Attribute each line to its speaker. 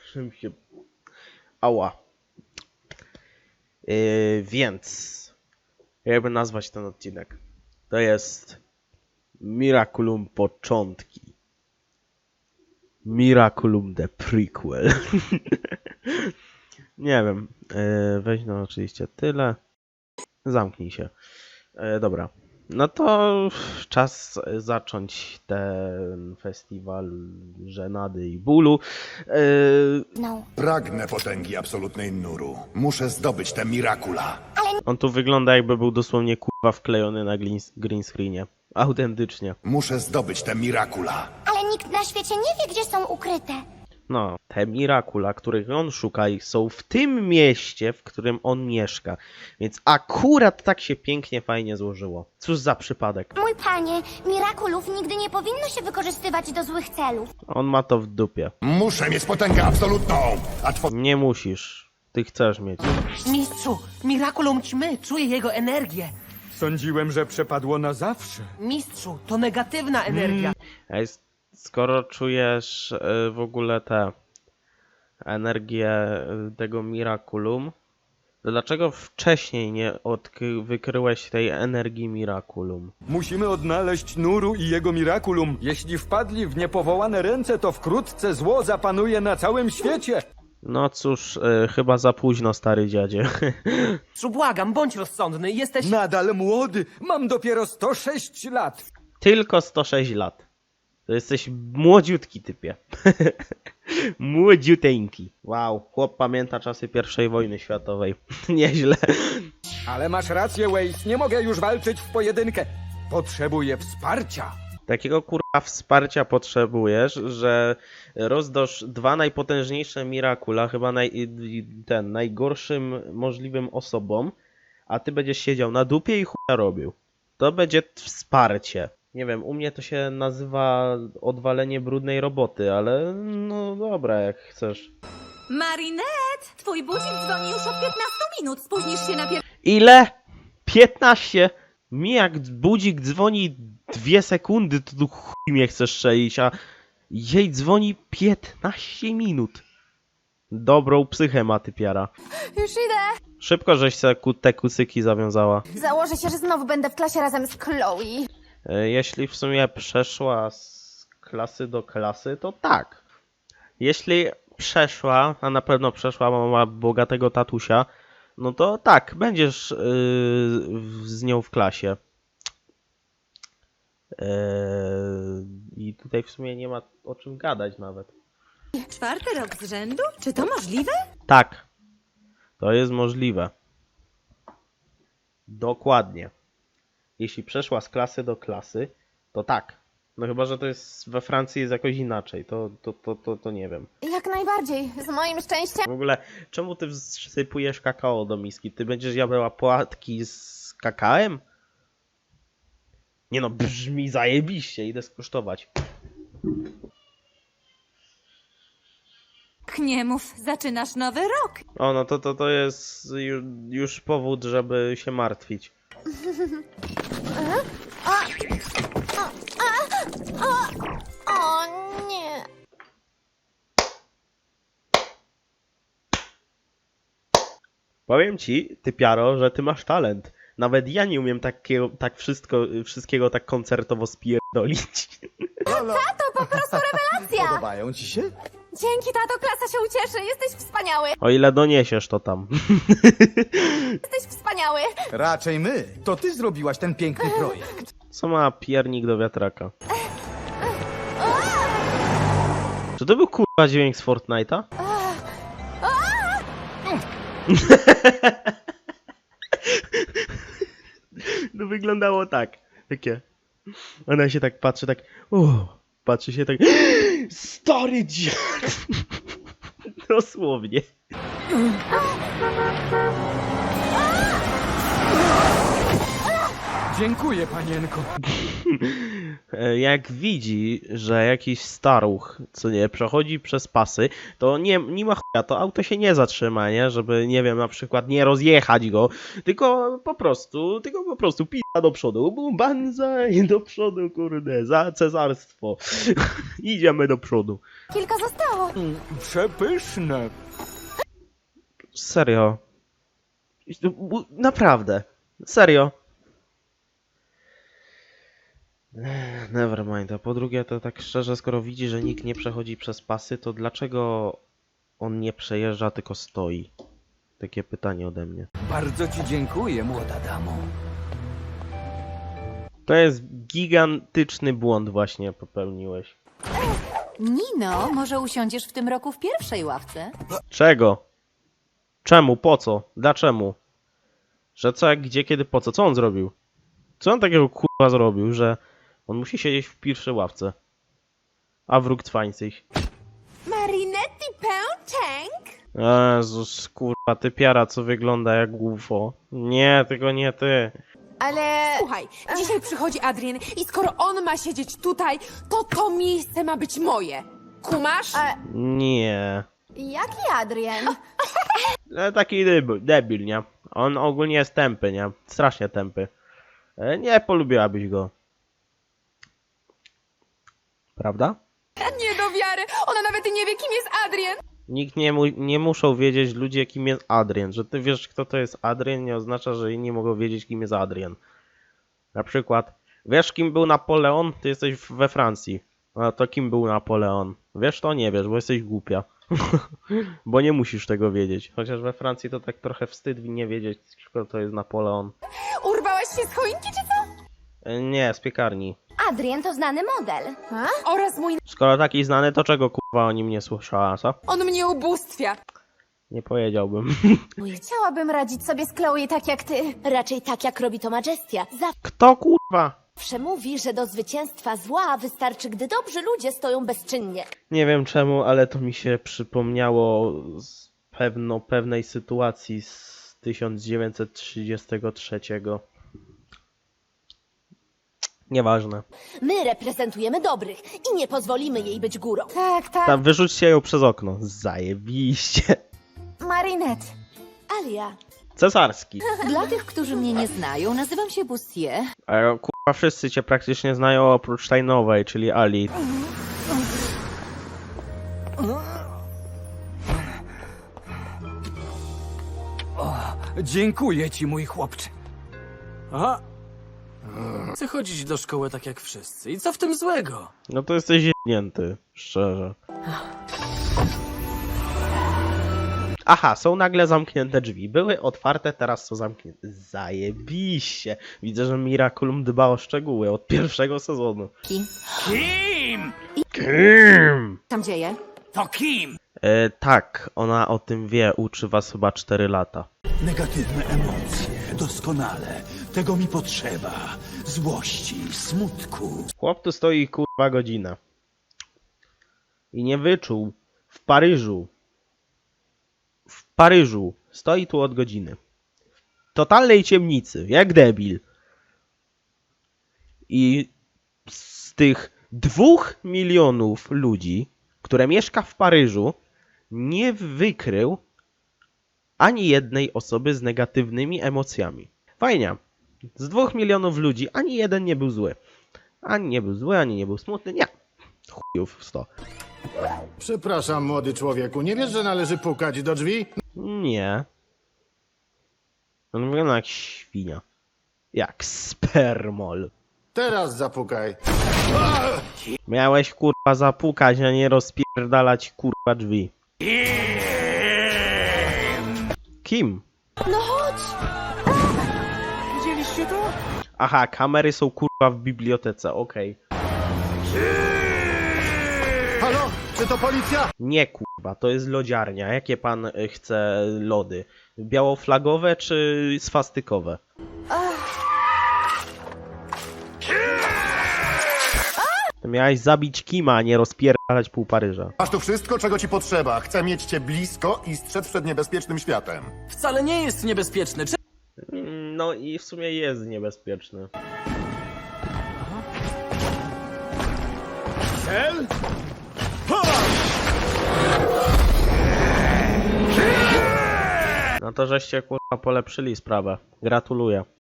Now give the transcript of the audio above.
Speaker 1: Czym się... Ała. Więc... Jakby nazwać ten odcinek? To jest... Miraculum Początki. Miraculum The Prequel. Nie wiem. Weź no oczywiście tyle. Zamknij się. Dobra. No to czas zacząć ten festiwal żenady i bólu.
Speaker 2: No.
Speaker 3: Pragnę potęgi absolutnej Nuru. Muszę zdobyć te Mirakula.
Speaker 1: On tu wygląda jakby był dosłownie kurwa wklejony na green screenie. Autentycznie.
Speaker 3: Muszę zdobyć te Mirakula.
Speaker 2: Ale nikt na świecie nie wie, gdzie są ukryte.
Speaker 1: No, te Mirakula, których on szuka, są w tym mieście, w którym on mieszka. Więc akurat tak się pięknie, fajnie złożyło. Cóż za przypadek.
Speaker 2: Mój panie, Mirakulów nigdy nie powinno się wykorzystywać do złych celów.
Speaker 1: On ma to w dupie.
Speaker 3: Muszę mieć potęgę absolutną, a
Speaker 1: Nie musisz. Ty chcesz mieć.
Speaker 4: Mistrzu, Miraculum ćmy, czuję jego energię.
Speaker 5: Sądziłem, że przepadło na zawsze.
Speaker 4: Mistrzu, to negatywna energia.
Speaker 1: Ej, skoro czujesz w ogóle tę energię tego Miraculum, to dlaczego wcześniej nie wykryłeś tej energii Miraculum?
Speaker 5: Musimy odnaleźć Nuru i jego Miraculum. Jeśli wpadli w niepowołane ręce, to wkrótce zło zapanuje na całym świecie.
Speaker 1: No cóż, chyba za późno, stary dziadzie.
Speaker 4: Mistrzu, błagam, bądź rozsądny, jesteś...
Speaker 5: Nadal młody, mam dopiero 106 lat.
Speaker 1: Tylko 106 lat. To jesteś młodziutki, typie. Młodziuteńki. Wow, chłop pamięta czasy I wojny światowej. Nieźle.
Speaker 5: Ale masz rację, Waze, nie mogę już walczyć w pojedynkę. Potrzebuję wsparcia.
Speaker 1: Takiego kurwa wsparcia potrzebujesz, że rozdasz dwa najpotężniejsze Mirakula, chyba najgorszym możliwym osobom, a ty będziesz siedział na dupie i chuja robił. To będzie wsparcie. Nie wiem, u mnie to się nazywa odwalenie brudnej roboty, ale no dobra, jak chcesz.
Speaker 6: Marinette, twój budzik dzwoni już od 15 minut. Spóźnisz się na
Speaker 1: Ile? 15? Mi jak budzik dzwoni 2 sekundy, to tu chuj mnie chcesz strzelić, a jej dzwoni 15 minut. Dobrą psychę ma typiara.
Speaker 2: Już idę.
Speaker 1: Szybko żeś se te kucyki zawiązała.
Speaker 2: Założę się, że znowu będę w klasie razem z Chloe.
Speaker 1: Jeśli w sumie przeszła z klasy do klasy, to tak. Jeśli przeszła, a na pewno przeszła, bo ma bogatego tatusia, no to tak, będziesz z nią w klasie. I tutaj w sumie nie ma o czym gadać nawet.
Speaker 6: 4. rok z rzędu? Czy to możliwe?
Speaker 1: Tak, to jest możliwe. Dokładnie. Jeśli przeszła z klasy do klasy, to tak. No chyba, że to jest we Francji jest jakoś inaczej, to nie wiem.
Speaker 2: Jak najbardziej, z moim szczęściem.
Speaker 1: W ogóle, czemu ty wsypujesz kakao do miski? Ty będziesz jadła płatki z kakałem? Nie no, brzmi zajebiście, idę skosztować.
Speaker 6: Nie mów, zaczynasz nowy rok.
Speaker 1: O, no to jest już powód, żeby się martwić.
Speaker 2: O nie.
Speaker 1: Powiem ci, typiaro, że ty masz talent. Nawet ja nie umiem wszystkiego tak koncertowo spierdolić.
Speaker 2: To po prostu rewelacja.
Speaker 3: Podobają ci się?
Speaker 2: Dzięki, tato, klasa się ucieszy. Jesteś wspaniały.
Speaker 1: O ile doniesiesz to tam.
Speaker 2: Jesteś wspaniały.
Speaker 7: Raczej my. To ty zrobiłaś ten piękny projekt.
Speaker 1: Co ma piernik do wiatraka? Czy to był kurwa dźwięk z Fortnite'a? No wyglądało tak. Takie. Ona się tak patrzy, tak. Patrzy się tak. Stary dziad! Dosłownie.
Speaker 5: Dziękuję, panienko.
Speaker 1: Jak widzi, że jakiś staruch, co nie, przechodzi przez pasy, to nie ma chuja, to auto się nie zatrzyma, nie? Żeby, nie wiem, na przykład nie rozjechać go, tylko po prostu pija do przodu, bum, banzaj, do przodu, kurde, za cesarstwo. Idziemy do przodu.
Speaker 2: Kilka zostało.
Speaker 5: Przepyszne.
Speaker 1: Serio. Naprawdę. Serio. Nevermind. A po drugie, to tak szczerze, skoro widzi, że nikt nie przechodzi przez pasy, to dlaczego on nie przejeżdża, tylko stoi? Takie pytanie ode mnie.
Speaker 7: Bardzo ci dziękuję, młoda damo.
Speaker 1: To jest gigantyczny błąd właśnie popełniłeś.
Speaker 6: Nino, może usiądziesz w tym roku w pierwszej ławce?
Speaker 1: Czego? Czemu? Po co? Dlaczego? Że co, jak, gdzie, kiedy, po co? Co on zrobił? Co on takiego kurwa zrobił, że on musi siedzieć w pierwszej ławce? A wróg sich.
Speaker 6: Marinetti Pęczęk?
Speaker 1: Jezus, kurwa, ty piara, co wygląda jak UFO. Nie, tylko nie ty.
Speaker 8: Ale słuchaj, dzisiaj przychodzi Adrien i skoro on ma siedzieć tutaj, to miejsce ma być moje. Kumasz?
Speaker 1: Nie.
Speaker 2: Jaki Adrien?
Speaker 1: Taki debil, nie? On ogólnie jest tępy, nie? Strasznie tępy. Nie polubiłabyś go. Prawda?
Speaker 8: Nie do wiary, ona nawet nie wie, kim jest Adrien.
Speaker 1: Nikt nie muszą wiedzieć ludzie, kim jest Adrien. Że ty wiesz, kto to jest Adrien, nie oznacza, że inni mogą wiedzieć, kim jest Adrien. Na przykład, wiesz, kim był Napoleon? Ty jesteś we Francji. A to kim był Napoleon? Wiesz to? Nie wiesz, bo jesteś głupia. Bo nie musisz tego wiedzieć. Chociaż we Francji to tak trochę wstyd nie wiedzieć, kto to jest Napoleon.
Speaker 8: Urwałaś się z choinki, czy co?
Speaker 1: Nie, z piekarni.
Speaker 2: Adrien to znany model.
Speaker 8: Oraz mój...
Speaker 1: Skoro taki znany, to czego kurwa o nim nie słyszała, co?
Speaker 8: On mnie ubóstwia.
Speaker 1: Nie powiedziałbym.
Speaker 2: Chciałabym radzić sobie z Chloe tak jak ty. Raczej tak jak robi to Majestia.
Speaker 1: Kto kurwa?
Speaker 2: Zawsze mówi, że do zwycięstwa zła wystarczy, gdy dobrzy ludzie stoją bezczynnie.
Speaker 1: Nie wiem czemu, ale to mi się przypomniało z pewnej sytuacji z 1933. Nieważne.
Speaker 2: My reprezentujemy dobrych i nie pozwolimy jej być górą.
Speaker 8: Tak, tak.
Speaker 1: Tam wyrzućcie ją przez okno. Zajebiście.
Speaker 2: Marinette. Alia.
Speaker 1: Cesarski.
Speaker 6: Dla tych, którzy mnie nie znają, nazywam się Bustier.
Speaker 1: A kurwa wszyscy cię praktycznie znają oprócz tej nowej, czyli Ali.
Speaker 7: Dziękuję ci, mój chłopcze.
Speaker 4: Aha. Chcę chodzić do szkoły tak jak wszyscy. I co w tym złego?
Speaker 1: No to jesteś jebnięty, szczerze. Aha, są nagle zamknięte drzwi. Były otwarte, teraz są zamknięte. Zajebiście. Widzę, że Miraculum dba o szczegóły od pierwszego sezonu.
Speaker 6: Kim?
Speaker 7: Kim?
Speaker 1: Kim?
Speaker 6: Tam dzieje?
Speaker 7: To kim?
Speaker 1: Tak, ona o tym wie. Uczy was chyba 4 lata.
Speaker 9: Negatywne emocje, doskonale. Tego mi potrzeba. Złości, smutku.
Speaker 1: Chłop tu stoi kurwa godzinę. I nie wyczuł. W Paryżu. Stoi tu od godziny. W totalnej ciemnicy. Jak debil. I z tych 2 milionów ludzi, które mieszka w Paryżu, nie wykrył ani jednej osoby z negatywnymi emocjami. Fajnie. Z 2 milionów ludzi ani jeden nie był zły. Ani nie był zły, ani nie był smutny. Nie. Chujów 100.
Speaker 3: Przepraszam, młody człowieku, nie wiesz, że należy pukać do drzwi?
Speaker 1: Nie. On wygląda jak świnia. Jak spermol.
Speaker 3: Teraz zapukaj.
Speaker 1: Miałeś kurwa zapukać, a nie rozpierdalać kurwa drzwi. Kim?
Speaker 2: No chodź!
Speaker 7: Widzieliście to?
Speaker 1: Aha, kamery są kurwa w bibliotece, okej.
Speaker 3: Halo? Czy to policja?
Speaker 1: Nie kurwa, to jest lodziarnia. Jakie pan chce lody? Białoflagowe czy swastykowe? To miałeś zabić Kima, a nie rozpierdalać pół Paryża.
Speaker 3: Masz tu wszystko, czego ci potrzeba. Chcę mieć cię blisko i strzec przed niebezpiecznym światem.
Speaker 4: Wcale nie jest niebezpieczny.
Speaker 1: No i w sumie jest niebezpieczny.
Speaker 9: cel?
Speaker 1: No to żeście kurwa polepszyli sprawę. Gratuluję.